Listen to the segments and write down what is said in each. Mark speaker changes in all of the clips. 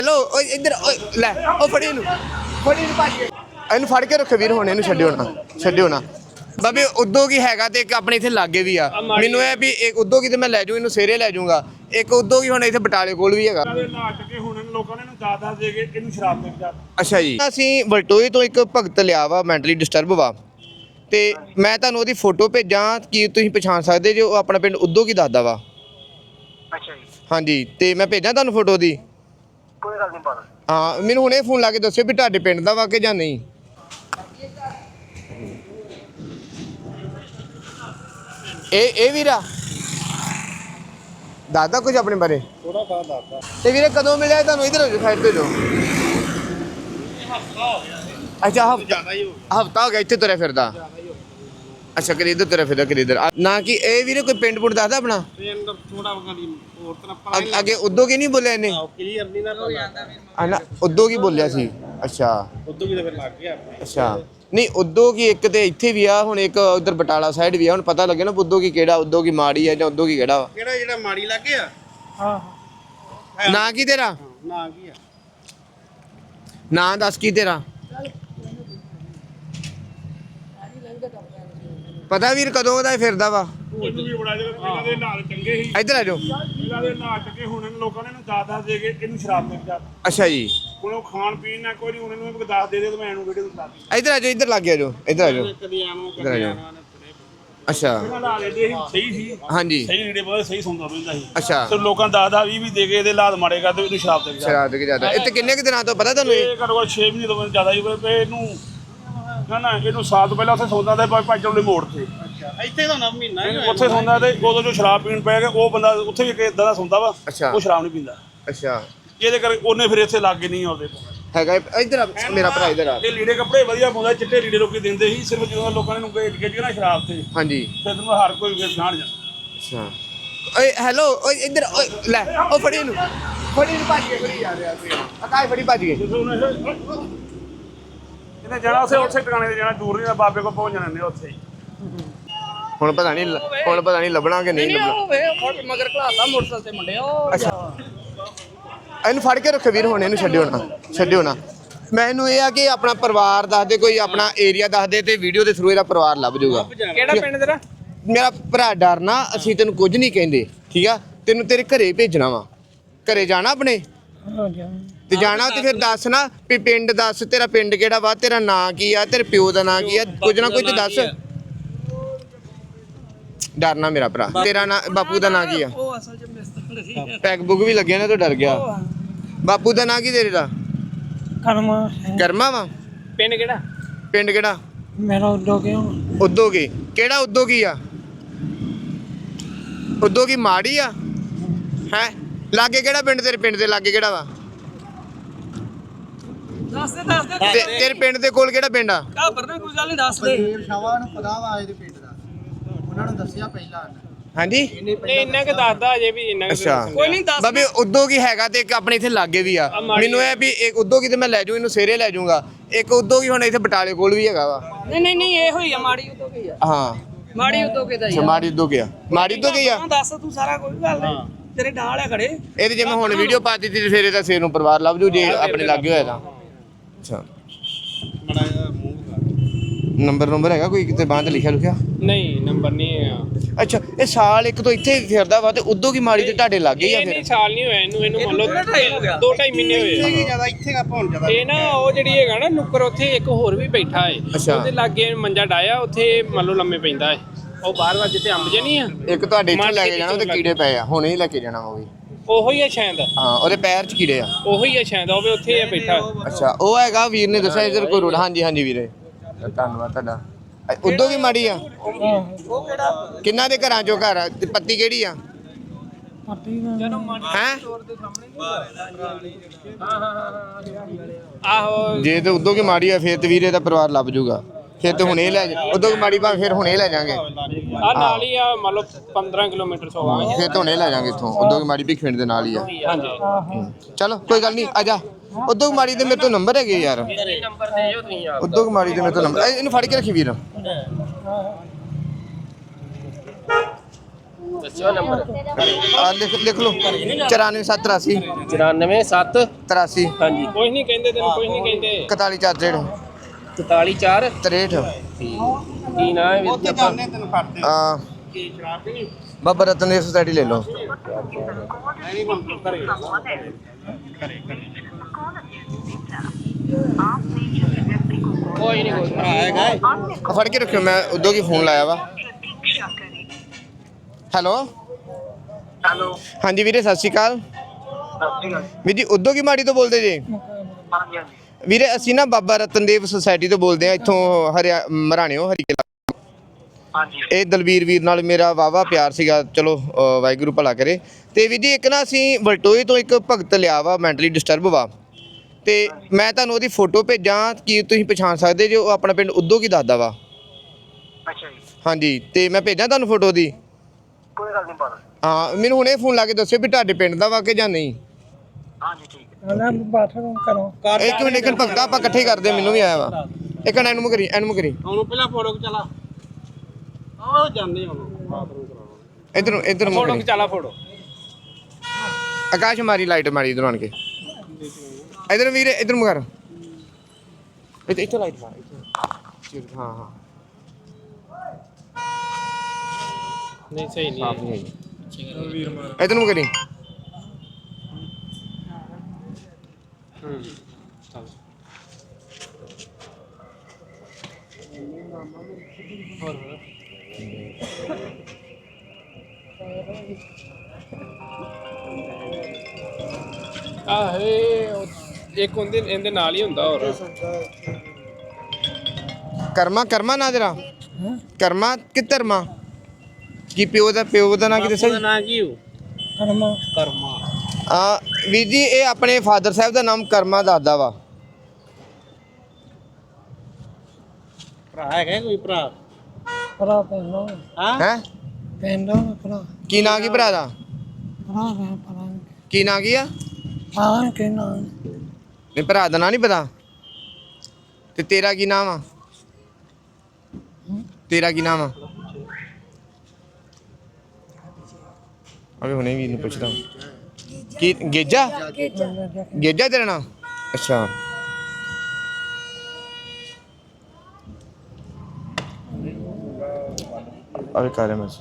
Speaker 1: Hello इधर ले ओ फड़ी नु भाजी ਇਹਨੂੰ ਫੜ ਕੇ ਰੱਖੋ ਵੀਰ ਹੁਣ ਇਹਨੂੰ ਛੱਡਿਓ ਨਾ ਬਾਬੇ ਉਦੋਂ ਕੀ ਹੈਗਾ ਤੇ ਇੱਕ ਆਪਣੇ ਇੱਥੇ ਲਾਗੇ ਵੀ ਆ ਮੈਨੂੰ ਇਹ ਵੀ ਇੱਕ ਉਦੋਂ ਕੀ ਤੇ ਮੈਂ ਲੈ ਜੂ ਇਹਨੂੰ ਸੇਰੇ ਲੈ ਜਾਊਂਗਾ ਇੱਕ ਉਦੋਂ ਕੀ ਹੁਣ ਇੱਥੇ ਬਟਾਲੇ ਕੋਲ ਵੀ ਹੈਗਾ
Speaker 2: ਹੁਣ ਲੋਕਾਂ ਨੇ ਦਾਦਾ ਦੇ ਕੇ ਇਹਨੂੰ ਸ਼ਰਾਬ ਦੇ ਦਿੱਤਾ।
Speaker 1: ਅੱਛਾ ਜੀ ਅਸੀਂ ਵਲਟੋਏ ਤੋਂ ਇੱਕ ਭਗਤ ਲਿਆ ਵਾ ਮੈਂਟਲੀ ਡਿਸਟਰਬ ਵਾ ਤੇ ਮੈਂ ਤੁਹਾਨੂੰ ਉਹਦੀ ਫੋਟੋ ਭੇਜਾਂ ਕੀ ਤੁਸੀਂ ਪਛਾਣ ਸਕਦੇ ਜੇ ਉਹ ਆਪਣਾ ਪਿੰਡ ਉਦੋਂ ਕੀ ਦੱਸਦਾ ਵਾ।
Speaker 3: ਅੱਛਾ ਜੀ
Speaker 1: ਹਾਂਜੀ ਤੇ ਮੈਂ ਭੇਜਾਂ ਤੁਹਾਨੂੰ ਫੋਟੋ ਦੀ
Speaker 3: ਕੋਈ ਗੱਲ ਨਹੀਂ ਬਾਤ
Speaker 1: ਹਾਂ ਮੈਨੂੰ ਹੁਣੇ ਫੋਨ ਲਾ ਕੇ ਦੱਸਿਓ ਵੀ ਤੁਹਾਡੇ ਪਿੰਡ ਦਾ ਵਾ ਕਿ ਜਾਂ ਨਹੀਂ। ਇਹ ਵੀਰਾ ਦਾਦਾ ਕੁਝ ਆਪਣੇ ਬਾਰੇ
Speaker 2: ਥੋੜਾ ਬਾਤ ਦੱਸਦਾ
Speaker 1: ਤੇ ਵੀਰੇ ਕਦੋਂ ਮਿਲਿਆ ਤੁਹਾਨੂੰ ਇਧਰ ਹੋ ਜਾਓ ਸਾਈਡ ਤੇ ਜਾਓ। ਅੱਛਾ
Speaker 2: ਜ਼ਿਆਦਾ ਹੀ ਹੋ ਗਿਆ
Speaker 1: ਹਫਤਾ ਹੋ ਗਿਆ ਇੱਥੇ ਤੁਰਿਆ ਫਿਰਦਾ ਅੱਛਾ ਕਰੀ ਇੱਧਰ ਤੁਰਿਆ ਫਿਰਦਾ ਕਰੀ ਇੱਧਰ ਨਾ ਕਿ ਇਹ ਵੀਰੇ ਕੋਈ ਪਿੰਡ ਪੁੰਡ ਦੱਸਦਾ ਆਪਣਾ
Speaker 2: ਅੰਦਰ ਥੋੜਾ ਵਗਾਦੀ ਹੋਰ ਤਰ੍ਹਾਂ
Speaker 1: ਅੱਗੇ ਉਦੋਂ ਕੀ ਨਹੀਂ ਬੋਲਿਆ ਇਹਨੇ
Speaker 2: ਕਲੀਅਰ ਨਹੀਂ ਨਾ ਪਤਾ
Speaker 1: ਨਾ ਉਦੋਂ ਕੀ ਬੋਲਿਆ ਸੀ ਅੱਛਾ
Speaker 2: ਉਦੋਂ ਵੀ ਤਾਂ ਫਿਰ ਲੱਗ ਗਿਆ ਆਪਣੇ
Speaker 1: ਅੱਛਾ ਨਹੀਂ ਉਦੋਂ ਕੀ ਇੱਕ ਤੇ ਇੱਥੇ ਵੀ ਆ ਹੁਣ ਇੱਕ ਉਧਰ ਬਟਾਲਾ ਸਾਈਡ ਵੀ ਆ ਹੁਣ ਪਤਾ ਲੱਗੇ ਨਾ ਉਦੋਂ ਕੀ ਕਿਹੜਾ ਉਦੋਂ ਕੀ ਮਾੜੀ ਆ ਜਾਂ ਉਦੋਂ ਕੀ ਕਿਹੜਾ ਵਾ
Speaker 2: ਕਿਹੜਾ ਜਿਹੜਾ ਮਾੜੀ ਲੱਗ ਗਿਆ ਹਾਂ
Speaker 1: ਨਾਂ ਕੀ ਤੇਰਾ
Speaker 2: ਨਾ ਕੀ ਆ
Speaker 1: ਨਾਂ ਦੱਸ ਕੀ ਤੇਰਾ ਪਤਾ ਵੀਰ ਕਦੋਂ ਦਾ ਫਿਰਦਾ ਵਾ
Speaker 2: ਉਹਨੂੰ ਵੀ ਬੜਾ ਜਿਹੜਾ ਇਹਨਾਂ ਦੇ ਨਾਲ ਚੰਗੇ ਸੀ
Speaker 1: ਇੱਧਰ ਆ ਜਾਓ
Speaker 2: ਇਹਨਾਂ ਦੇ ਨਾਲ ਚੰਗੇ ਹੁਣ ਲੋਕਾਂ ਨੇ ਦਾਦਾ ਦੇ ਕੇ ਇਹਨੂੰ ਸ਼ਰਾਬ ਦੇ ਦਿੱਤਾ।
Speaker 1: ਅੱਛਾ ਜੀ
Speaker 2: ਹੁਣ ਉਹ ਖਾਣ ਪੀਣ ਨਾਲ ਕੋਈ ਨਹੀਂ ਉਹਨਾਂ ਨੂੰ ਦਾਸ ਦੇ ਤੇ ਮੈਂ ਇਹਨੂੰ ਵੀਡੀਓ ਦਿਖਾ ਦਿੱਤੀ
Speaker 1: ਇੱਧਰ ਆ ਜਾਓ ਇੱਧਰ ਲੱਗ ਜਾਓ ਇੱਧਰ ਆ ਜਾਓ
Speaker 2: ਕਦੀ ਆਣੋ
Speaker 1: ਇੱਧਰ ਆ ਜਾਓ ਅੱਛਾ
Speaker 2: ਇਹਨਾਂ ਨਾਲ ਇਹਦੇ ਸਹੀ ਸੀ
Speaker 1: ਹਾਂਜੀ
Speaker 2: ਸਹੀ ਰੀੜੇ ਬਹੁਤ ਸਹੀ ਸੁਣਦਾ ਰਹਿੰਦਾ ਸੀ
Speaker 1: ਅੱਛਾ
Speaker 2: ਤੇ ਲੋਕਾਂ ਦਾਦਾ ਵੀ ਦੇ ਕੇ ਇਹਦੇ ਲਾਦ ਮਾੜੇ ਕਰਦੇ ਇਹਨੂੰ ਸ਼ਰਾਬ ਦੇ ਦਿੱਤਾ।
Speaker 1: ਸ਼ਰਾਬ ਦੇ ਕੇ ਜ਼ਿਆਦਾ ਇੱਥੇ ਕਿੰਨੇ ਕੁ ਦਿਨਾਂ ਤੋਂ ਪਤਾ ਤੁਹਾਨੂੰ ਇਹ
Speaker 2: ਇਹ ਘੱਟੋ ਘੱਟ 6 ਮਹੀਨੇ ਤੋਂ ਜ਼ਿਆਦਾ ਹੀ ਪਏ ਇਹਨੂੰ ਨਾ ਇਹਨੂੰ ਸਾਲ ਤੋਂ ਪਹਿਲਾਂ ਉੱਥੇ ਸੌਂਦਾ ਤੇ ਭਾਈ ਚੌਲੇ ਮੋੜ ਤੇ
Speaker 3: ਇੱਥੇ ਤਾਂ ਨਾ ਮਹੀਨਾ ਹੀ
Speaker 2: ਉੱਥੇ ਸੌਂਦਾ ਤੇ ਉਦੋਂ ਜੋ ਸ਼ਰਾਬ ਪੀਣ ਪੈ ਗਿਆ ਉਹ ਬੰਦਾ ਉੱਥੇ ਵੀ ਇਦਾਂ ਦਾ ਸੌਂਦਾ ਵਾ
Speaker 1: ਅੱਛਾ
Speaker 2: ਉਹ ਸ਼ਰਾਬ ਨਹੀਂ ਪੀਂਦਾ
Speaker 1: ਅੱਛਾ
Speaker 2: ਇਹਦੇ ਕਰਕੇ ਉਹਨੇ ਫਿਰ ਇੱਥੇ ਲੱਗ ਨਹੀਂ ਆਉਂਦੇ
Speaker 1: ਹੈਗਾ ਇੱਧਰ ਆ, ਮੇਰਾ ਭਰਾ ਇੱਧਰ ਆ
Speaker 2: ਇਹ ਲੀੜੇ ਕੱਪੜੇ ਵਧੀਆ ਪਾਉਂਦਾ ਚਿੱਟੇ ਲੀੜੇ ਲੋਕੀ ਦਿੰਦੇ ਸੀ ਸਿਰਫ ਜਦੋਂ ਲੋਕਾਂ ਨੇ ਨੂੰ ਗੇਜ ਨਾ ਸ਼ਰਾਬ ਤੇ
Speaker 1: ਹਾਂਜੀ
Speaker 2: ਫਿਰ ਤੈਨੂੰ ਹਰ ਕੋਈ ਫਿਰ ਜਾਣ ਜਾਂਦਾ
Speaker 1: ਅੱਛਾ ਓਏ ਹੈਲੋ ਓਏ ਇੱਧਰ ਓਏ ਲੈ ਉਹ ਫੜੀ ਨੂੰ ਭੱਜ ਕੇ ਫੜੀ ਜਾ ਰਿਹਾ ਸੀ ਅਕਾਈ ਫੜੀ ਭੱਜ ਗਏ
Speaker 2: ਇਹਨੇ ਜਾਣਾ ਉੱਥੇ ਟਿਕਾਣੇ ਤੇ ਜਾਣਾ ਦੂਰ ਨਹੀਂ ਬਾਬੇ ਕੋਲ ਪਹੁੰਚ ਜਾਣੇ ਨੇ ਉੱਥੇ ਹੀ
Speaker 1: ਹੁਣ ਪਤਾ ਨਹੀਂ ਲੱਭਣਾ ਕਿ ਨਹੀਂ ਲੱਭਣਾ
Speaker 3: ਮਗਰ ਘਲਾਤਾ ਮੋਟਰਸਾਈਕਲ ਤੇ ਮੁੰਡੇ ਉਹ
Speaker 1: ਅੱਛਾ ਇਹਨੂੰ ਫੜ ਕੇ ਰੱਖੋ ਵੀਰ ਹੁਣ ਇਹਨੂੰ ਛੱਡਿਓ ਨਾ ਮੈਨੂੰ ਇਹ ਆ ਕਿ ਆਪਣਾ ਪਰਿਵਾਰ ਦੱਸ ਦੇ ਕੋਈ ਆਪਣਾ ਏਰੀਆ ਦੱਸ ਦੇ ਤੇ ਵੀਡੀਓ ਦੇ ਥਰੂ ਇਹਦਾ ਪਰਿਵਾਰ ਲੱਭ ਜਾਊਗਾ
Speaker 3: ਕਿਹੜਾ ਪਿੰਡ ਤੇਰਾ
Speaker 1: ਮੇਰਾ ਭਰਾ ਡਰਨਾ ਅਸੀਂ ਤੈਨੂੰ ਕੁਝ ਨਹੀਂ ਕਹਿੰਦੇ ਠੀਕ ਆ ਤੈਨੂੰ ਤੇਰੇ ਘਰੇ ਭੇਜਣਾ ਵਾ ਘਰੇ ਜਾਣਾ ਆਪਣੇ ਤੇ ਜਾਣਾ ਤੇ ਫਿਰ ਦੱਸ ਨਾ ਵੀ ਪਿੰਡ ਦੱਸ ਤੇਰਾ ਪਿੰਡ ਕਿਹੜਾ ਵਾ ਤੇਰਾ ਨਾਂ ਕੀ ਆ ਤੇਰੇ ਪਿਓ ਦਾ ਨਾਂ ਕੀ ਆ ਕੁਝ ਨਾ ਕੁਝ ਦੱਸ ਡਰਨਾ ਮੇਰਾ ਭਰਾ ਤੇਰਾ ਨਾਂ ਬਾਪੂ ਦਾ ਨਾਂ ਕੀ ਆ
Speaker 3: ਉਹ ਅਸਲ ਚ ਮਿਸਤਰੀ ਸੀ
Speaker 1: ਪੈਕ ਬੁੱਕ ਵੀ ਲੱਗਿਆ ਨਾ ਤੂੰ ਡਰ ਗਿਆ ਬਾਪੂ ਦਾ ਨਾਂ ਕੀ ਤੇਰੇ ਦਾ ਕਰਮਾ ਵਾ
Speaker 3: ਪਿੰਡ ਕਿਹੜਾ
Speaker 1: ਪਿੰਡ ਕਿਹੜਾ
Speaker 3: ਮੇਰਾ ਉਦੋਂ ਕਿਉਂ
Speaker 1: ਉਦੋਂ ਕੀ ਕਿਹੜਾ ਉਦੋਂ ਕੀ ਆ ਉਦੋਂ ਕੀ ਮਾੜੀ ਆ ਹੈ ਲਾਗੇ ਕਿਹੜਾ ਪਿੰਡ ਤੇਰੇ ਪਿੰਡ ਦੇ ਲਾਗੇ ਕਿਹੜਾ ਵਾ
Speaker 3: ਦੱਸ ਦੇ
Speaker 1: ਤੇਰੇ ਪਿੰਡ ਦੇ ਕੋਲ ਕਿਹੜਾ ਪਿੰਡ ਆ
Speaker 3: ਘਾਬਰ ਨਾ ਕੋਈ ਗੱਲ ਨਹੀਂ ਦੱਸ ਦੇ
Speaker 4: ਫੇਰ ਸ਼ਾਵਾ ਨੂੰ ਪਤਾ ਵਾ ਇਹਦੇ ਪਿੰਡ ਦਾ ਉਹਨਾਂ ਨੂੰ ਦੱਸਿਆ ਪਹਿਲਾਂ
Speaker 1: ਹਾਂਜੀ
Speaker 3: ਇੰਨਾ ਕਿ ਦੱਸਦਾ ਅਜੇ ਵੀ ਇੰਨਾ
Speaker 1: ਅੱਛਾ
Speaker 3: ਕੋਈ ਨਹੀਂ ਦੱਸ
Speaker 1: ਬਾਬੇ ਉਦੋਂ ਕੀ ਹੈਗਾ ਤੇ ਇੱਕ ਆਪਣੇ ਇੱਥੇ ਲਾਗੇ ਵੀ ਆ ਮੈਨੂੰ ਇਹ ਵੀ ਇੱਕ ਉਦੋਂ ਕੀ ਤੇ ਮੈਂ ਲੈ ਜੂ ਇਹਨੂੰ ਸੇਰੇ ਲੈ ਜਾਊਂਗਾ ਇੱਕ ਉਦੋਂ ਕੀ ਹੁਣ ਇੱਥੇ ਬਟਾਲੇ ਕੋਲ ਵੀ ਹੈਗਾ ਵਾ
Speaker 3: ਨਹੀਂ ਇਹ ਹੋਈ ਆ ਮਾੜੀ ਉਦੋਂ ਕੀ ਆ
Speaker 1: ਹਾਂ
Speaker 3: ਮਾੜੀ ਉਦੋਂ ਕਿਦਾ ਹੀ ਆ
Speaker 1: ਮਾੜੀ ਉਦੋਂ ਕੀ ਆ ਮਾੜੀ ਉਦੋਂ ਕੀ ਆ
Speaker 3: ਦੱਸ ਤੂੰ ਸਾਰਾ ਕੋਈ ਗੱਲ ਨਹੀਂ ਤੇਰੇ ਨਾਲ ਆ ਖੜੇ
Speaker 1: ਇਹਦੇ ਜੇ ਮੈਂ ਹੁਣ ਵੀਡੀਓ ਪਾ ਦਿੱਤੀ ਤੇ ਫਿਰ ਇਹਦਾ ਸੇਰ ਨੂੰ ਪਰਿਵਾਰ ਲੱਭ ਜੂ ਜੇ ਆਪਣੇ ਲਾਗੇ ਹੋਇਆ ਤਾਂ ਅੱਛਾ ਨੰਬਰ ਹੈਗਾ ਕੋਈ ਕਿਤੇ ਬਾਂਹ ਤੇ ਲਿਖਿਆ
Speaker 3: ਨਹੀਂ ਨੰਬਰ ਨਹੀਂ ਆ
Speaker 1: ਅੱਛਾ ਇਹ ਸਾਲ ਇੱਕ ਤੋਂ ਇੱਥੇ ਫਿਰਦਾ ਵਾ ਤੇ ਉਦੋਂ ਕੀ ਮਾੜੀ ਤੇ ਤੁਹਾਡੇ ਲੱਗੇ ਹੀ ਆ ਫਿਰ
Speaker 3: ਸਾਲ ਨਹੀਂ ਹੋਇਆ ਇਹਨੂੰ ਮੰਨ ਲਓ 2.5 ਮਹੀਨੇ ਹੋਏ
Speaker 4: ਜਿਆਦਾ ਇੱਥੇ ਕਾ ਪਹੁੰਚ ਜਾਂਦਾ
Speaker 3: ਇਹ ਨਾ ਉਹ ਜਿਹੜੀ ਹੈਗਾ ਨਾ ਨੁੱਕਰ ਉੱਥੇ ਇੱਕ ਹੋਰ ਵੀ ਬੈਠਾ ਏ
Speaker 1: ਅੱਛਾ।
Speaker 3: ਉਹਦੇ ਲਾਗੇ ਮੰਜਾ ਡਾਇਆ ਉੱਥੇ ਮੰਨ ਲਓ ਲੰਮੇ ਪੈਂਦਾ ਏ ਉਹ ਬਾਹਰ ਜਿੱਥੇ ਅੰਬ ਜੇ ਨਹੀਂ ਆ
Speaker 1: ਇੱਕ ਤੁਹਾਡੇ ਇੱਥੇ ਲੈ ਕੇ ਜਾਣਾ ਉਹਦੇ ਕੀੜੇ ਪਏ ਆ ਹੁਣੇ ਹੀ ਲੈ ਕੇ ਜਾਣਾ ਉਹ ਵੀ
Speaker 3: ਉਹੋ ਹੀ ਆ ਸ਼ਾਇਦ
Speaker 1: ਹਾਂ ਉਹਦੇ ਪੈਰ 'ਚ ਕੀੜੇ ਆ
Speaker 3: ਉਹੋ ਹੀ ਆ ਸ਼ਾਇਦ ਉਹ ਵੀ ਉੱਥੇ ਹੀ ਬੈਠਾ
Speaker 1: ਅੱਛਾ ਉਹ ਹੈਗਾ ਵੀਰ ਨੇ ਦੱਸਿਆ ਇਧਰ ਕੋਈ ਰੋਡ ਹਾਂਜੀ ਵੀਰੇ ਧੰਨਵਾਦ ਤੁਹਾਡਾ ਉਦੋਂ ਵੀ ਮਾੜੀ ਆ
Speaker 3: ਉਹ ਕਿਹੜਾ
Speaker 1: ਕਿੰਨਾ ਦੇ ਘਰਾਂ ਚੋਂ ਘਰ ਆ ਤੇ ਪੱਤੀ ਕਿਹੜੀ ਆ ਹੈ
Speaker 3: ਆਹੋ
Speaker 1: ਜੇ ਤੇ ਉਦੋਂ ਕੀ ਮਾੜੀ ਆ ਫਿਰ ਤੇ ਵੀਰੇ ਦਾ ਪਰਿਵਾਰ ਲੱਭ ਜੂਗਾ ਫਿਰ ਤੇ ਹੁਣੇ ਲੈ ਜਾ ਉਦੋਂ ਕੀ ਮਾੜੀ ਬਾ ਫਿਰ ਹੁਣੇ ਲੈ ਜਾਾਂਗੇ
Speaker 3: ਆ ਨਾਲ ਹੀ ਆ ਮੰਨ ਲਓ 15 ਕਿਲੋਮੀਟਰ ਸੋਵਾਂਗੇ
Speaker 1: ਫਿਰ ਤਾਂ ਹੁਣੇ ਲੈ ਜਾਾਂਗੇ ਇੱਥੋਂ ਉਦੋਂ ਕੀ ਮਾੜੀ ਭਿੱਖਣ ਦੇ ਨਾਲ ਹੀ ਆ
Speaker 3: ਹਾਂਜੀ
Speaker 1: ਚਲੋ ਕੋਈ ਗੱਲ ਨਹੀਂ ਆ ਜਾ ਉਦੋਂ ਕੀ ਮਾੜੀ ਦੇ ਮੇਰੇ ਤੋਂ ਨੰਬਰ ਹੈਗੇ ਯਾਰ
Speaker 3: ਨੰਬਰ ਦੇ ਜੋ ਤੁਸੀਂ
Speaker 1: ਉਦੋਂ ਕੀ ਮਾੜੀ ਦੇ ਮੇਰੇ ਤੋਂ ਨੰਬਰ ਇਹਨੂੰ ਫੜ ਕੇ ਰੱਖੀ ਵੀਰ
Speaker 3: ਦੱਸਿਓ ਨੰਬਰ
Speaker 1: ਆ ਲਿਖ ਲਓ 94783
Speaker 3: 947
Speaker 1: 83
Speaker 3: ਹਾਂਜੀ ਕੁਝ ਨਹੀਂ ਕਹਿੰਦੇ ਤੈਨੂੰ ਕੁਝ ਨਹੀਂ ਕਹਿੰਦੇ
Speaker 1: 414
Speaker 3: 44
Speaker 1: 63
Speaker 3: ਕੀ ਨਾਂ ਹੈ ਵੀਰ ਜੀ ਆਪਾਂ
Speaker 1: ਆ ਬਾਬਾ ਰਤਨ ਦੇਵ ਸੁਸਾਇਟੀ ਲੈ ਲਓ
Speaker 3: ਕੋਈ ਨਹੀਂ
Speaker 1: ਫੜ ਕੇ ਰੱਖਿਓ ਮੈਂ ਉਦੋਂ ਕੀ ਫੋਨ ਲਾਇਆ ਵਾ ਹੈਲੋ ਹਾਂਜੀ ਵੀਰੇ ਸਤਿ ਸ਼੍ਰੀ ਅਕਾਲ ਵੀਰ ਜੀ ਉਦੋਂ ਕੀ ਮਾੜੀ ਤੋਂ ਬੋਲਦੇ ਜੀ ਵੀਰੇ ਅਸੀਂ ਨਾ ਬਾਬਾ ਰਤਨ ਦੇਵ ਸੁਸਾਇਟੀ ਤੋਂ ਬੋਲਦੇ ਆ ਇੱਥੋਂ ਮਰਾਣਿਓ ਹਰੀਕੇ ਇਹ ਦਲਵੀਰ ਵੀਰ ਨਾਲ ਮੇਰਾ ਵਾਵਾ ਪਿਆਰ ਸੀਗਾ ਚਲੋ ਵਾਹਿਗੁਰੂ ਭਲਾ ਕਰੇ ਤੇ ਵੀਰ ਜੀ ਇੱਕ ਨਾ ਅਸੀਂ ਵਲਟੋਏ ਤੋਂ ਇੱਕ ਭਗਤ ਲਿਆ ਵਾ ਮੈਂਟਲੀ ਡਿਸਟਰਬ ਵਾ ਤੇ ਮੈਂ ਤੁਹਾਨੂੰ ਉਹਦੀ ਫੋਟੋ ਭੇਜਾਂ ਕੀ ਤੁਸੀਂ ਪਛਾਣ ਸਕਦੇ ਜੇ ਉਹ ਆਪਣਾ ਪਿੰਡ ਉਦੋਂ ਕੀ ਦੱਸਦਾ ਵਾ
Speaker 5: ਅੱਛਾ ਜੀ
Speaker 1: ਹਾਂਜੀ ਤੇ ਮੈਂ ਭੇਜਾਂ ਤੁਹਾਨੂੰ ਫੋਟੋ ਦੀ
Speaker 5: ਕੋਈ ਗੱਲ ਨਹੀਂ ਬਾਤ
Speaker 1: ਹਾਂ ਮੈਨੂੰ ਹੁਣੇ ਫੋਨ ਲਾ ਕੇ ਦੱਸਿਓ ਵੀ ਤੁਹਾਡੇ ਪਿੰਡ ਦਾ ਵਾ ਕਿ ਜਾਂ ਨਹੀਂ
Speaker 5: ਹਾਂਜੀ ਠੀਕ ਹੈ
Speaker 1: ਇੱਕ ਮਿੰਟ ਭਗਤਾ ਆਪਾਂ ਇਕੱਠੇ ਕਰਦੇ ਮੈਨੂੰ ਵੀ ਆਇਆ ਵਾ ਇੱਕ ਮਿੰਟ ਇਹਨੂੰ ਕਰੀ
Speaker 3: ਉਹਨੂੰ ਪਹਿਲਾਂ ਫੋਟੋ ਚਲਾ ਉਹ ਜਾਂਦੇ ਉਹਨੂੰ ਬਾਥਰੂਮ ਕਰਾਉਣਾ
Speaker 1: ਇੱਧਰ
Speaker 3: ਫੋਟੋ ਚਲਾ ਫੋਟੋ
Speaker 1: ਆਕਾਸ਼ ਮਾਰੀ ਲਾਈਟ ਮਾਰੀ ਇਧਰ ਆਣ ਕੇ ਇਧਰ ਵੀਰੇ ਇਧਰ ਮੁਗਰ ਇੱਥੇ ਲਾਈਟ ਮਾਰ ਹਾਂ ਹਾਂ
Speaker 3: ਨਹੀਂ ਸਹੀ ਨਹੀਂ
Speaker 1: ਸਾਫ ਨਹੀਂ ਆਈ ਇਧਰ ਨੂੰ ਕਰੀ
Speaker 3: ਚੱਲ ਆਹੇ ਇੱਕ ਹੁੰਦੇ ਇਹਦੇ ਨਾਲ ਹੀ ਹੁੰਦਾ ਹੋਰ
Speaker 1: ਕਰਮਾ ਨਾ ਜਰਾ ਕਰਮਾ ਕਿ ਧਰਮਾ ਕੀ ਪਿਓ ਦਾ ਨਾਂ ਕੀ ਦੱਸਿਆ
Speaker 3: ਨਾਂ ਕੀ ਹੋ ਕਰਮਾ
Speaker 1: ਵੀਰ ਜੀ ਇਹ ਆਪਣੇ ਫਾਦਰ ਸਾਹਿਬ ਦਾ ਨਾਮ ਕਰਮਾ ਦੱਸਦਾ ਵਾ
Speaker 3: ਭਰਾ ਹੈਗਾ ਕੋਈ ਭਰਾ
Speaker 1: ਹੈ ਕੀ ਨਾਂ ਕੀ ਭਰਾ ਦਾ ਕੀ ਨਾਂ ਕੀ ਆ ਨਹੀਂ ਭਰਾ ਦਾ ਨਾਂ ਨਹੀਂ ਪਤਾ ਤੇ ਤੇਰਾ ਕੀ ਨਾਮ ਆ ਤੇਰਾ ਕੀ ਨਾਮ ਆ ਅਬੇ ਹੁਣੇ ਵੀ ਇਹਨੂੰ ਪੁੱਛਦਾ ਕੀ ਗੇਜਾ ਤੇਰਾ ਨਾਮ ਅੱਛਾ ਅਬੇ ਕਾਰੇ ਮੈਂ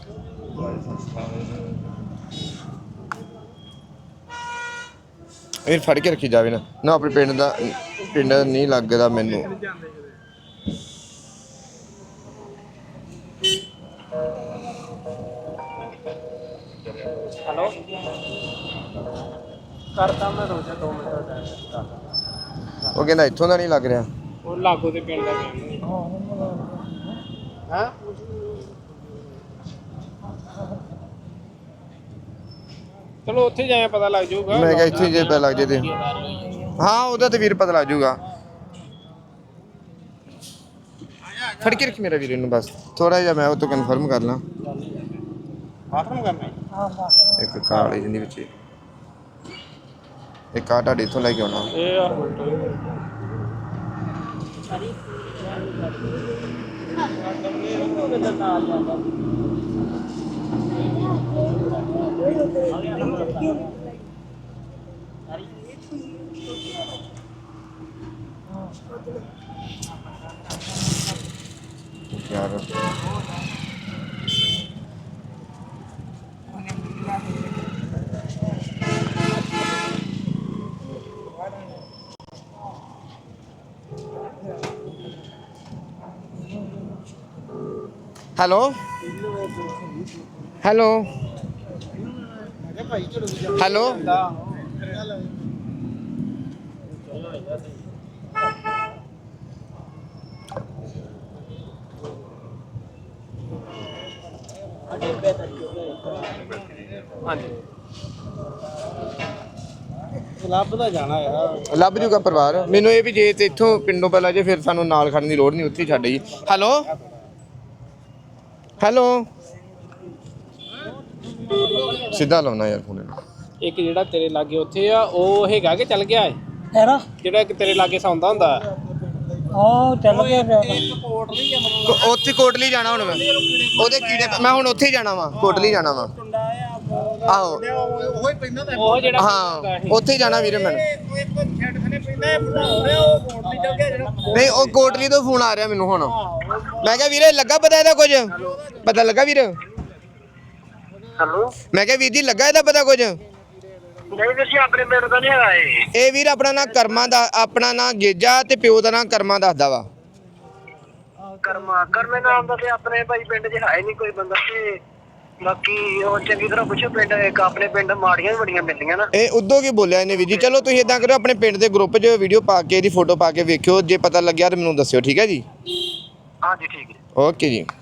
Speaker 1: ਇਹ ਫੜ ਕੇ ਰੱਖੀ ਜਾਵੇ ਨਾ ਆਪਣੇ ਪਿੰਡ ਨਹੀਂ ਲੱਗਦਾ ਮੈਨੂੰ
Speaker 3: ਹੈਲੋ ਕਰਦਾ ਮੈਂ ਰੋਜ਼ਾ 2 ਮਿੰਟ ਦਾ ਟਾਈਮ
Speaker 1: ਉਹ ਕਹਿੰਦਾ ਇੱਥੋਂ ਦਾ ਨਹੀਂ ਲੱਗ ਰਿਹਾ
Speaker 3: ਉਹ ਲਾਗੋ ਦੇ ਪਿੰਡ ਦਾ ਕਹਿੰਦੇ ਹਾਂ ਚਲੋ ਉੱਥੇ ਜਾਇਆ ਪਤਾ ਲੱਗ ਜਾਊਗਾ
Speaker 1: ਮੈਂ ਕਿਹਾ ਇੱਥੇ ਜੇ ਪਤਾ ਲੱਗ ਜੇ ਤੇ ਹਾਂ ਉਹਦਾ ਤੇ ਵੀਰ ਪਤਾ ਲੱਗ ਜਾਊਗਾ ਫੜ ਕੇ ਰੱਖ ਮੇਰਾ ਵੀਰ ਇਹਨੂੰ ਬਸ ਥੋੜਾ ਜਿਹਾ ਮੈਂ ਉਹ ਤੋਂ ਕਨਫਰਮ ਕਰ ਲਾਂ
Speaker 3: ਬਾਥਰੂਮ ਕਰਨਾ
Speaker 1: ਇੱਕ ਕਾਲੀ ਜਿੰਦੀ ਵਿੱਚ ਇੱਕ ਆ ਤੁਹਾਡੇ ਇੱਥੋਂ ਲੈ ਕੇ ਆਉਣਾ
Speaker 3: ਇਹ ਆ
Speaker 1: ਯਾਰ ਹੈਲੋ
Speaker 3: ਹਾਂਜੀ ਲੱਭਦਾ ਜਾਣਾ ਯਾਰ
Speaker 1: ਲੱਭ ਜੂਗਾ ਪਰਿਵਾਰ ਮੈਨੂੰ ਇਹ ਵੀ ਜੇ ਤੇ ਇੱਥੋਂ ਪਿੰਡੋਂ ਪਹਿਲਾਂ ਜੇ ਫਿਰ ਸਾਨੂੰ ਨਾਲ ਖੜਨ ਦੀ ਲੋੜ ਨਹੀਂ ਉੱਥੇ ਹੀ ਛੱਡ ਜੀ ਹੈਲੋ ਸਿੱਧਾ ਲਾਉਣਾ ਯਾਰ ਫੋਨ ਨੂੰ
Speaker 3: ਇੱਕ ਜਿਹੜਾ ਤੇਰੇ ਲਾਗੇ ਉੱਥੇ ਆ ਉਹ ਹੈਗਾ ਕਿ ਚੱਲ ਗਿਆ ਹੈ ਜਿਹੜਾ ਕਿ ਤੇਰੇ ਲਾਗੇ ਸੌਂਦਾ ਹੁੰਦਾ
Speaker 6: ਉਹ ਚੱਲ ਗਿਆ
Speaker 3: ਕੋਟ ਨਹੀਂ ਆ
Speaker 1: ਉੱਥੇ ਕੋਟਲੀ ਜਾਣਾ ਹੁਣ ਮੈਂ ਉਹਦੇ ਕੀੜੇ ਮੈਂ ਹੁਣ ਉੱਥੇ ਹੀ ਜਾਣਾ ਵਾ ਕੋਟਲੀ ਜਾਣਾ ਵਾ ਆਹੋ
Speaker 4: ਉਹ ਹੀ ਪੈਂਦਾ ਤਾਂ
Speaker 3: ਉਹ ਜਿਹੜਾ
Speaker 1: ਹਾਂ ਉੱਥੇ ਹੀ ਜਾਣਾ ਵੀਰੇ ਮੈਨੂੰ
Speaker 4: ਇੱਕ ਛੱਡ ਖਨੇ ਪੈਂਦਾ ਬੁਢਾ ਹੋ ਰਿਹਾ ਉਹ ਕੋਟ ਨਹੀਂ ਚੱਲ ਗਿਆ ਜਿਹੜਾ
Speaker 1: ਨਹੀਂ ਉਹ ਕੋਟਲੀ ਤੋਂ ਫੋਨ ਆ ਰਿਹਾ ਮੈਨੂੰ ਹੁਣ ਮੈਂ ਕਿਹਾ ਵੀਰੇ ਲੱਗਾ ਪਤਾ ਇਹਦਾ ਕੁਝ ਪਤਾ ਲੱਗਾ ਵੀਰ
Speaker 5: ਹੈਲੋ
Speaker 1: ਮੈਂ ਕਿਹਾ ਵੀਰ ਜੀ ਲੱਗਾ ਇਹਦਾ ਪਤਾ ਕੁਝ
Speaker 5: ਨਹੀਂ ਵੀਰ ਜੀ ਆਪਣੇ ਪਿੰਡ ਦਾ ਨਹੀਂ ਹੈਗਾ
Speaker 1: ਇਹ ਵੀਰ ਆਪਣਾ ਨਾਂ ਕਰਮਾਂ ਦਾ ਆਪਣਾ ਨਾਂ ਗੇਜਾ ਤੇ ਪਿਓ ਦਾ ਨਾਂ ਕਰਮਾਂ ਦੱਸਦਾ ਵਾ
Speaker 5: ਕਰਮੇ ਨਾਮ ਦਾ ਤੇ ਆਪਣੇ ਭਾਈ ਪਿੰਡ 'ਚ ਹੈ ਨਹੀਂ ਕੋਈ ਬੰਦਾ ਤੇ ਬਾਕੀ ਉਹ ਚੰਗੀ ਤਰ੍ਹਾਂ ਪੁੱਛੋ ਪਿੰਡ ਇੱਕ ਆਪਣੇ ਪਿੰਡ ਮਾੜੀਆਂ ਵੀ ਬੜੀਆਂ ਮਿਲਦੀਆਂ ਨਾ
Speaker 1: ਇਹ ਉਦੋਂ ਕੀ ਬੋਲਿਆ ਇਹਨੇ ਵੀਰ ਜੀ ਚਲੋ ਤੁਸੀਂ ਇਦਾਂ ਕਰੋ ਆਪਣੇ ਪਿੰਡ ਦੇ ਗਰੁੱਪ 'ਚ ਵੀਡੀਓ ਪਾ ਕੇ ਇਹਦੀ ਫੋਟੋ ਪਾ ਕੇ ਵੇਖਿਓ ਜੇ ਪਤਾ ਲੱਗਿਆ ਤਾਂ ਮੈਨੂੰ ਦੱਸਿਓ ਠੀਕ ਹੈ ਜੀ
Speaker 5: ਹਾਂਜੀ ਠੀਕ ਹੈ
Speaker 1: ਓਕੇ ਜੀ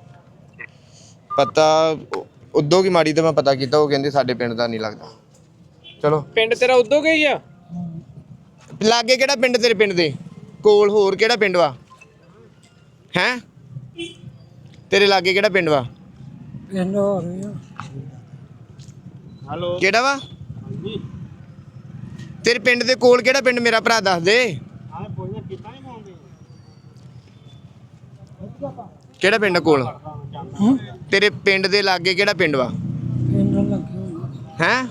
Speaker 1: ਪਤਾ ਉਦੋਂ ਕੀ ਮਾੜੀ ਤੇ ਮੈਂ ਪਤਾ ਕੀਤਾ ਉਹ ਕਹਿੰਦੇ ਸਾਡੇ ਪਿੰਡ ਦਾ ਨਹੀਂ ਲੱਗਦਾ ਚਲੋ
Speaker 3: ਪਿੰਡ ਤੇਰਾ ਉਦੋਂ ਗਈ ਆ
Speaker 1: ਲਾਗੇ ਕਿਹੜਾ ਪਿੰਡ ਤੇਰੇ ਪਿੰਡ ਦੇ ਕੋਲ ਹੋਰ ਕਿਹੜਾ ਪਿੰਡ ਵਾ ਹੈਂ ਤੇਰੇ ਲਾਗੇ ਕਿਹੜਾ ਪਿੰਡ ਵਾ
Speaker 6: ਪਿੰਡ ਹੋ ਗਿਆ
Speaker 3: ਹਲੋ
Speaker 1: ਕਿਹੜਾ ਵਾ ਤੇਰੇ ਪਿੰਡ ਦੇ ਕੋਲ ਕਿਹੜਾ ਪਿੰਡ ਮੇਰਾ ਭਰਾ ਦੱਸ ਦੇ
Speaker 3: ਆਹ ਪੁੱਛਣਾ ਕੀਤਾ ਨਹੀਂ ਪਾਉਂਦੇ
Speaker 1: ਕਿਹੜਾ ਪਿੰਡ ਕੋਲ ਤੇਰੇ ਪਿੰਡ ਦੇ ਲਾਗੇ ਕਿਹੜਾ ਪਿੰਡ ਵਾ
Speaker 6: ਪਿੰਡ ਲੱਗੇ
Speaker 1: ਹੈਂ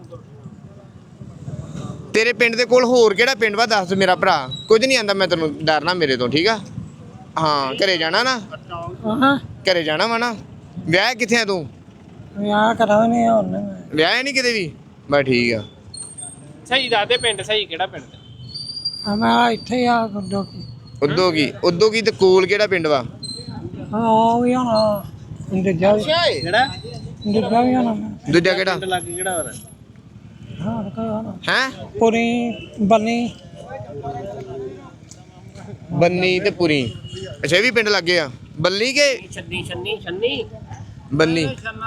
Speaker 1: ਤੇਰੇ ਪਿੰਡ ਦੇ ਕੋਲ ਹੋਰ ਕਿਹੜਾ ਪਿੰਡ ਵਾ ਦੱਸ ਮੇਰਾ ਭਰਾ ਕੁਝ ਨਹੀਂ ਆਂਦਾ ਮੈਂ ਤੈਨੂੰ ਡਰਨਾ ਮੇਰੇ ਤੋਂ ਠੀਕ ਆ ਹਾਂ ਘਰੇ ਜਾਣਾ ਨਾ
Speaker 6: ਹਾਂ
Speaker 1: ਘਰੇ ਜਾਣਾ ਵਾ ਨਾ ਵਿਆਹ ਕਿੱਥੇ ਆ ਤੂੰ
Speaker 6: ਵਿਆਹ ਕਰਾਉਣੇ ਹੁਣ
Speaker 1: ਵਿਆਹ ਨਹੀਂ ਕਿਤੇ ਵੀ ਬਸ ਠੀਕ ਆ
Speaker 3: ਸਹੀ ਦੱਸਦੇ ਪਿੰਡ ਸਹੀ ਕਿਹੜਾ ਪਿੰਡ
Speaker 6: ਮੈਂ ਇੱਥੇ ਆ ਗੁੱਡੋ ਕੀ
Speaker 1: ਉਦੋਂ ਕੀ ਤੇ ਕੋਲ ਕਿਹੜਾ ਪਿੰਡ ਵਾ
Speaker 6: ਹਾਂ ਉਹ ਵੀ ਹੋਣਾ ਦੂਜਾ
Speaker 3: ਕਿਹੜਾ
Speaker 6: ਦੂਜਾ ਵੀ ਹੋਣਾ
Speaker 1: ਦੂਜਾ ਕਿਹੜਾ
Speaker 3: ਲੱਗ ਕਿਹੜਾ ਹੋਰ
Speaker 6: ਹਾਂ ਕੋਈ ਹੋਣਾ
Speaker 1: ਹੈਂ
Speaker 6: ਪੂਰੀ ਬੰਨੀ
Speaker 1: ਬੰਨੀ ਤੇ ਪੁਰੀ ਅੱਛਾ ਇਹ ਵੀ ਪਿੰਡ ਲੱਗੇ ਆ ਬੱਲੀ ਕੇ
Speaker 3: ਛੰਨੀ
Speaker 1: ਬੰਨੀ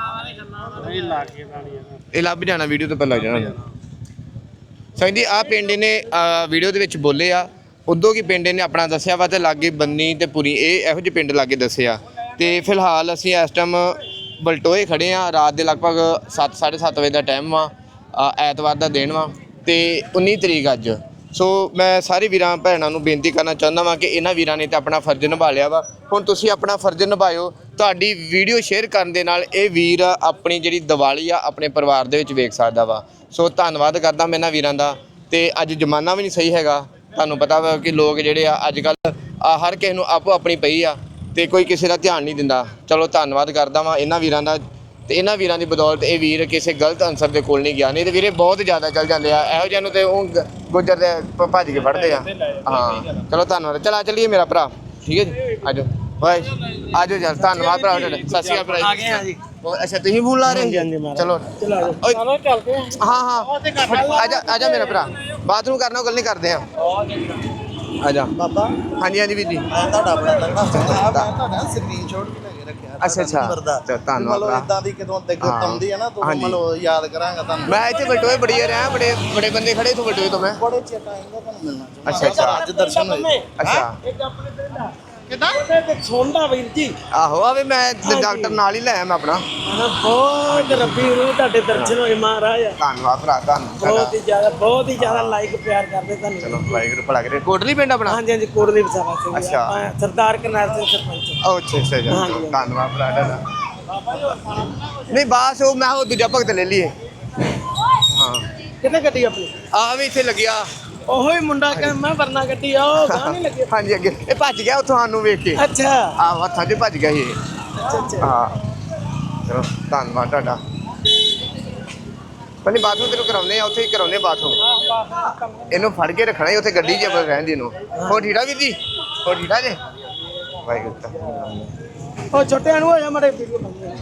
Speaker 3: ਇਹ ਲਾ ਕੇ ਵਾਲੀ
Speaker 1: ਇਹ ਲੱਭ ਜਾਣਾ ਵੀਡੀਓ ਤੋਂ ਪਹਿਲਾਂ ਲੱਗ ਜਾਣਾ ਸੰਜੀ ਆ ਪਿੰਡ ਨੇ ਵੀਡੀਓ ਦੇ ਵਿੱਚ ਬੋਲੇ ਆ ਉਦੋਂ ਕੀ ਪਿੰਡ ਨੇ ਆਪਣਾ ਦੱਸਿਆ ਵਾ ਤੇ ਲਾਗੇ ਬੰਨੀ ਤੇ ਪੁਰੀ ਇਹ ਇਹੋ ਜਿਹੇ ਪਿੰਡ ਲਾਗੇ ਦੱਸਿਆ ਤੇ ਫਿਲਹਾਲ ਅਸੀਂ ਇਸ ਟਾਈਮ ਬਲਟੋਏ ਖੜੇ ਆ ਰਾਤ ਦੇ ਲਗਭਗ 7:30 ਵਜੇ ਦਾ ਟਾਈਮ ਵਾ ਐਤਵਾਰ ਦਾ ਦਿਨ ਵਾ ਤੇ 19 ਤਰੀਕ ਅੱਜ ਸੋ ਮੈਂ ਸਾਰੇ ਵੀਰਾਂ ਭੈਣਾਂ ਨੂੰ ਬੇਨਤੀ ਕਰਨਾ ਚਾਹੁੰਦਾ ਵਾਂ ਕਿ ਇਹਨਾਂ ਵੀਰਾਂ ਨੇ ਤਾਂ ਆਪਣਾ ਫਰਜ਼ ਨਿਭਾ ਲਿਆ ਵਾ ਹੁਣ ਤੁਸੀਂ ਆਪਣਾ ਫਰਜ਼ ਨਿਭਾਇਓ ਤੁਹਾਡੀ ਵੀਡੀਓ ਸ਼ੇਅਰ ਕਰਨ ਦੇ ਨਾਲ ਇਹ ਵੀਰ ਆਪਣੀ ਜਿਹੜੀ ਦੀਵਾਲੀ ਆ ਆਪਣੇ ਪਰਿਵਾਰ ਦੇ ਵਿੱਚ ਵੇਖ ਸਕਦਾ ਵਾ ਸੋ ਧੰਨਵਾਦ ਕਰਦਾ ਮੈਂ ਇਹਨਾਂ ਵੀਰਾਂ ਦਾ ਤੇ ਅੱਜ ਜ਼ਮਾਨਾ ਵੀ ਨਹੀਂ ਸਹੀ ਹੈਗਾ ਤੁਹਾਨੂੰ ਪਤਾ ਵਾ ਕਿ ਲੋਕ ਜਿਹੜੇ ਆ ਅੱਜ ਕੱਲ੍ਹ ਹਰ ਕਿਸੇ ਨੂੰ ਆਪੋ ਆਪਣੀ ਪਈ ਆ ਤੇ ਕੋਈ ਕਿਸੇ ਦਾ ਧਿਆਨ ਨਹੀਂ ਦਿੰਦਾ ਚਲੋ ਧੰਨਵਾਦ ਕਰਦਾ ਵਾਂ ਇਹਨਾਂ ਵੀਰਾਂ ਦਾ ਤੇ ਇਹਨਾਂ ਵੀਰਾਂ ਦੀ ਬਦੌਲਤ ਇਹ ਵੀਰ ਕਿਸੇ ਗਲਤ ਅਨਸਰ ਦੇ ਕੋਲ ਨਹੀਂ ਗਿਆ ਨਹੀਂ ਤੇ ਵੀਰੇ ਬਹੁਤ ਜ਼ਿਆਦਾ ਚੱਲ ਜਾਂਦੇ ਆ ਇਹੋ ਜਿਹਾ ਨੂੰ ਤੇ ਉਹ ਗੁੱਜਰ ਦੇ ਭੱਜ ਕੇ ਫੜਦੇ ਆ ਹਾਂ ਚਲੋ ਧੰਨਵਾਦ ਚਲਾ ਚੱਲੀਏ ਮੇਰਾ ਭਰਾ ਠੀਕ ਹੈ ਜੀ ਆਜੋ ਬਾਏ ਆਜੋ ਚੱਲ ਧੰਨਵਾਦ ਭਰਾ ਤੁਹਾਡਾ ਸਤਿ ਸ਼੍ਰੀ ਅਕਾਲ ਭਰਾ
Speaker 3: ਆ ਗਏ ਆ ਜੀ
Speaker 1: ਅੱਛਾ ਤੁਸੀਂ ਫੋਨ ਲਾ ਰਹੇ ਚਲੋ ਓਏ
Speaker 6: ਚਲੋ ਚੱਲਦੇ ਆ
Speaker 1: ਹਾਂ ਆਜਾ ਮੇਰਾ ਭਰਾ ਬਾਥਰੂਮ ਕਰਨਾ ਗੱਲ ਨਹੀਂ ਕਰਦੇ ਆ ਆਜਾ
Speaker 4: ਬਾਬਾ
Speaker 1: ਹਾਂਜੀ ਹਾਂਜੀ ਵੀਰ ਜੀ
Speaker 4: ਤੁਹਾਡਾ ਆਪਣਾ ਲੰਗਾ ਤੁਹਾਡਾ ਸਕਰੀਨਸ਼ਾਟ ਵੀ ਲੈ ਕੇ ਰੱਖਿਆ
Speaker 1: ਅੱਛਾ ਧੰਨਵਾਦ
Speaker 4: ਮਤਲਬ ਇਦਾਂ ਦੀ ਕਿਦੋਂ ਤੇ ਗੁੱਤਮਦੀ ਹੈ ਨਾ ਤੂੰ
Speaker 1: ਹਾਂਜੀ।
Speaker 4: ਮਤਲਬ ਯਾਦ ਕਰਾਂਗਾ ਤੁਹਾਨੂੰ
Speaker 1: ਮੈਂ ਇੱਥੇ ਬਲਟੋਏ ਬੜੀ ਰਿਹਾ ਬੜੇ ਬੰਦੇ ਖੜੇ ਤੋਂ ਬਲਟੋਏ ਤੋਂ ਮੈਂ
Speaker 4: ਬੜੇ ਚਿਰ ਟਾਈਮ ਦਾ ਤੁਹਾਨੂੰ ਮਿਲਣਾ
Speaker 1: ਅੱਛਾ
Speaker 4: ਅੱਜ ਦਰਸ਼ਨ ਹੋਏ
Speaker 1: ਅੱਛਾ
Speaker 3: ਇੱਕ ਆਪਣੇ ਪਿੰਡ ਆ ਕਿਦਾਂ ਤੇ ਸੋਂਦਾ ਵੀਰ ਜੀ
Speaker 1: ਆਹੋ ਆਵੇ ਮੈਂ ਡਾਕਟਰ ਨਾਲ ਹੀ ਲੈ ਆਇਆ ਮੈਂ ਆਪਣਾ
Speaker 3: ਬਹੁਤ ਰੱਬੀ ਨੂੰ ਤੁਹਾਡੇ ਦਰਸ਼ਨ ਹੋਏ ਮਹਾਰਾਜ
Speaker 1: ਧੰਨਵਾਦ ਭਰਾ
Speaker 3: ਬਹੁਤ ਹੀ ਜ਼ਿਆਦਾ ਲਾਈਕ ਪਿਆਰ ਕਰਦੇ ਤੁਹਾਨੂੰ
Speaker 1: ਚਲੋ ਵਾਹਿਗੁਰੂ ਭਲਾ ਕਰੇ ਕੋਟਲੀ ਪਿੰਡ ਆਪਣਾ
Speaker 3: ਹਾਂਜੀ ਹਾਂਜੀ ਕੋਟਲੀ ਵਸਾਵਾ ਸਿੰਘ
Speaker 1: ਅੱਛਾ।
Speaker 3: ਆਪਾਂ ਸਰਦਾਰ ਕਰਨਾਲ ਸਿੰਘ ਸਰਪੰਚ
Speaker 1: ਅੱਛਾ ਜੀ ਧੰਨਵਾਦ ਭਰਾ ਤੁਹਾਡਾ ਨਹੀਂ ਬਾਸ ਉਹ ਮੈਂ ਉਹ ਦੂਜਾ ਭਗਤ ਲੈ ਲਈਏ ਹਾਂ
Speaker 3: ਕਿੱਥੇ ਗੱਡੀ ਆਪਣੀ
Speaker 1: ਆ ਵੀ ਇੱਥੇ ਲੱਗਿਆ
Speaker 3: ਉਹੋ ਹੀ ਮੁੰਡਾ ਕਿ ਮੈਂ ਵਰਨਾ ਗੱਡੀ ਆ ਉਹ ਗਾਂ ਨਹੀਂ ਲੱਗੇ
Speaker 1: ਹਾਂਜੀ ਅੱਗੇ ਇਹ ਭੱਜ ਗਿਆ ਉੱਥੋਂ ਸਾਨੂੰ ਵੇਖ ਕੇ
Speaker 3: ਅੱਛਾ
Speaker 1: ਆ ਹੱਥਾਂ 'ਚ ਭੱਜ ਗਿਆ ਸੀ ਇਹ
Speaker 3: ਅੱਛਾ
Speaker 1: ਹਾਂ ਚਲੋ ਧੰਨਵਾਦ ਤੁਹਾਡਾ ਪਹਿਲੇ ਬਾਥਰੂਮ ਤੈਨੂੰ ਕਰਾਉਂਦੇ ਆ ਉੱਥੇ ਹੀ ਕਰਾਉਂਦੇ ਬਾਥਰੂਮ ਇਹਨੂੰ ਫੜ ਕੇ ਰੱਖਣਾ ਹੀ ਉੱਥੇ ਗੱਡੀ 'ਚ ਰਹਿੰਦੀ ਇਹਨੂੰ ਹੋਰ ਠੀੜਾ ਵੀਰ ਜੀ ਹੋਰ ਠੀੜਾ ਜੇ ਵਾਹਿਗੁਰੂ
Speaker 3: ਉਹ ਛੋਟਿਆਂ ਨੂੰ ਹੋ ਜਾ ਮੜੇ ਵੀਡੀਓ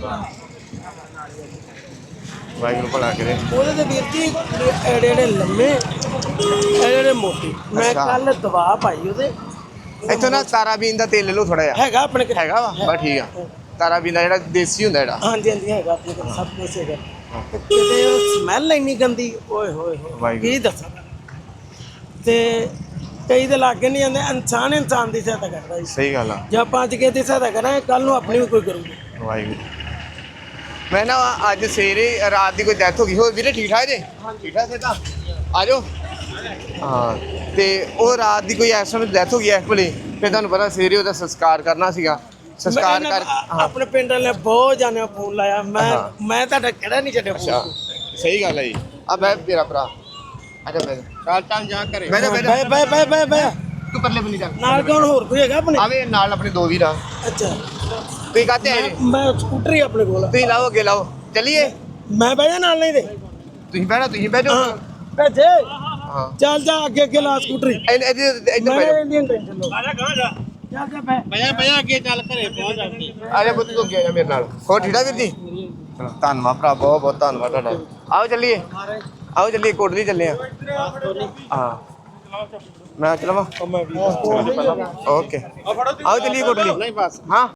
Speaker 1: ਵਾਹਿਗੁਰੂ ਭਲਾ ਕਰੇ
Speaker 3: ਉਹਦੇ ਤੇ ਵੀਰ ਜੀ ਜਿਹੜੇ ਲੰਮੇ ਜਿਹੜੇ ਮੋਟੇ ਮੈਂ
Speaker 1: ਅੱਛਾ।
Speaker 3: ਕੱਲ ਦਵਾ ਪਾਈ ਉਹਦੇ
Speaker 1: ਇੱਥੋਂ ਨਾ ਤਾਰਾਬੀਨ ਦਾ ਤੇਲ ਲੈ ਲਓ ਥੋੜਾ ਜਿਹਾ
Speaker 3: ਹੈਗਾ ਆਪਣੇ ਕੋਲ
Speaker 1: ਹੈਗਾ ਵਾ ਬਸ ਠੀਕ ਆ ਤਾਰਾਬੀਨ ਦਾ ਜਿਹੜਾ ਦੇਸੀ ਹੁੰਦਾ ਜਿਹੜਾ
Speaker 3: ਹਾਂਜੀ ਹਾਂਜੀ ਹੈਗਾ ਆਪਣੇ ਕੋਲ ਸਭ ਕੁਝ ਹੈਗਾ ਤੇ ਕਿਤੇ ਉਹ ਸਮੈਲ ਇੰਨੀ ਗੰਦੀ ਓਏ ਹੋਏ ਹੋਏ
Speaker 1: ਵਾਹਿਗੁਰੂ।
Speaker 3: ਕੀ ਦੱਸਾਂ ਤੇ ਕਈ ਦੇ ਲਾਗੇ ਨਹੀਂ ਜਾਂਦੇ ਇਨਸਾਨ ਦੀ ਸਹਾਇਤਾ ਕਰਦਾ ਜੀ
Speaker 1: ਸਹੀ ਗੱਲ ਆ
Speaker 3: ਜੇ ਆਪਾਂ ਅੱਜ ਕਿਸੇ ਦੀ ਸਹਾਇਤਾ ਕਰਾਂਗੇ ਕੱਲ ਨੂੰ ਆਪਣੀ ਵੀ ਕੋਈ ਕਰੂਗਾ
Speaker 1: ਵਾਹਿਗੁਰੂ ਮੈਂ ਨਾ ਅੱਜ ਸਵੇਰੇ ਰਾਤ ਦੀ ਕੋਈ ਡੈਥ ਹੋ ਗਈ ਹੋ ਵੀਰੇ ਠੀਕ ਠਾਕ ਜੇ ਠੀਕ ਠਾਕ ਸੇ ਤਾਂ ਆ ਜਾਓ ਹਾਂ ਤੇ ਉਹ ਰਾਤ ਦੀ ਕੋਈ ਇਸ ਸਮੇਂ ਡੈਥ ਹੋ ਗਈ ਇਸ ਵੇਲੇ ਫਿਰ ਤੁਹਾਨੂੰ ਪਤਾ ਸਵੇਰੇ ਉਹਦਾ ਸੰਸਕਾਰ ਕਰਨਾ ਸੀਗਾ ਸੰਸਕਾਰ ਕਰ ਹਾਂ
Speaker 6: ਆਪਣੇ ਪਿੰਡ ਵਾਲੇ ਬਹੁਤ ਜਾਣੇ ਫੋਨ ਲਾਇਆ ਮੈਂ ਤੁਹਾਡਾ ਕਿਹੜਾ ਨਹੀਂ ਛੱਡਿਆ
Speaker 1: ਅੱਛਾ ਸਹੀ ਗੱਲ ਹੈ ਜੀ ਆ ਬੈ ਮੇਰਾ ਭਰਾ ਅੱਛਾ ਬੈ
Speaker 3: ਚੱਲ ਜਾ ਘਰੇ
Speaker 1: ਬੈ
Speaker 6: ਬੈ
Speaker 1: ਤੂੰ ਪਰਲੇ ਬੰਨੀ ਜਾ
Speaker 6: ਨਾਲ ਕੌਣ ਹੋਰ ਕੋਈ ਹੈਗਾ ਆਪਣੇ
Speaker 1: ਆਵੇ ਨਾਲ ਆਪਣੇ ਦੋ ਵੀਰ ਆ
Speaker 6: ਅੱਛਾ
Speaker 1: ਤੁਸੀਂ ਕਾਹਤੇ ਆਏ ਜੀ
Speaker 6: ਮੈਂ ਸਕੂਟਰੀ ਆਪਣੇ ਕੋਲ
Speaker 1: ਤੁਸੀਂ ਲਾਓ ਅੱਗੇ ਲਾਓ ਚੱਲੀਏ
Speaker 6: ਮੈਂ ਬਹਿ ਜਾ ਨਾਲ ਨਹੀਂ ਦੇ
Speaker 1: ਤੁਸੀਂ ਬਹਿ ਜਾਓ
Speaker 6: ਭੇਜੇ
Speaker 1: ਹਾਂ
Speaker 6: ਚੱਲ ਜਾ ਅੱਗੇ ਲਾ ਸਕੂਟਰੀ
Speaker 1: ਇੱਧਰ
Speaker 6: ਮੈਂ
Speaker 1: ਬਹਿ ਜਾਓ
Speaker 6: ਇੰਡੀਅਨ ਟੈਨਸ਼ਨ ਲੋ
Speaker 2: ਆ ਜਾ ਗਾਂ ਜਾ
Speaker 6: ਚੱਲ ਜਾ ਬੈ
Speaker 3: ਭਈਆ ਅੱਗੇ ਚੱਲ ਘਰੇ ਪਹੁੰਚ ਜਾਂਦੀ
Speaker 1: ਆ ਜਾ ਪੁੱਤ ਤੂੰ ਅੱਗੇ ਆ ਜਾ ਮੇਰੇ ਨਾਲ ਹੋਰ ਠੀਕ ਆ ਵੀਰ ਜੀ ਚਲੋ ਧੰਨਵਾਦ ਭਰਾ ਬਹੁਤ ਬਹੁਤ ਧੰਨਵਾਦ ਤੁਹਾਡਾ ਆਓ ਚੱਲੀਏ ਕੋਟਲੀ ਚੱਲੇ ਆ ਹਾਂ ਮੈਂ ਚਲਾਵਾਂ ਓਕੇ ਆਓ ਚੱਲੀਏ ਕੋਟਲੀ
Speaker 3: ਨਹੀਂ ਬਸ
Speaker 1: ਹਾਂ